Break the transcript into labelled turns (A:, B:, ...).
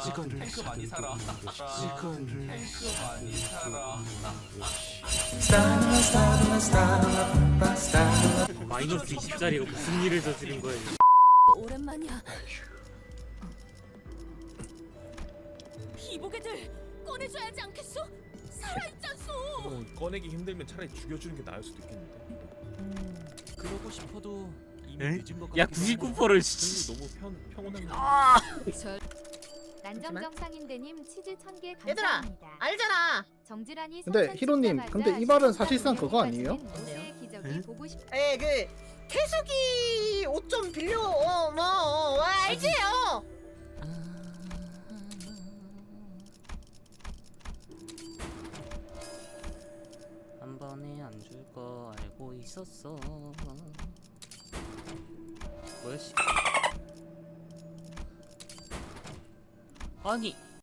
A: 탱크 많이 살아. 탱크 많이 살아.
B: 마이너스 20짜리가 무슨 일을 저지른 거야?
C: 오랜만이야. 비보게들 꺼내줘야지 않겠어? 살아있잖소.
D: 꺼내기 힘들면 차라리 죽여주는 게 나을 수도 있겠는데.
A: 그러고 싶어도 이미
B: 에?
A: 늦은 것
B: 야
A: 같기도 하네.
B: 99%를 씨.
D: 너무 평온한 거.
E: 난정 정상인데님 치즈 1000개
F: 얘들아,
E: 감사합니다.
F: 알잖아.
E: 정지란이
G: 근데
E: 성찬
G: 히로님,
E: 진짜
G: 근데
E: 맞아.
G: 이 말은
E: 시청자
G: 사실상 그거
E: 보내기까지는
G: 아니에요?
E: 모두의 기적이
B: 응?
E: 보고 싶.
F: 그 태숙이 옷 좀 빌려. 알지?
B: 한 번에 안 줄 거 알고 있었어. 뭐야 씨. 아니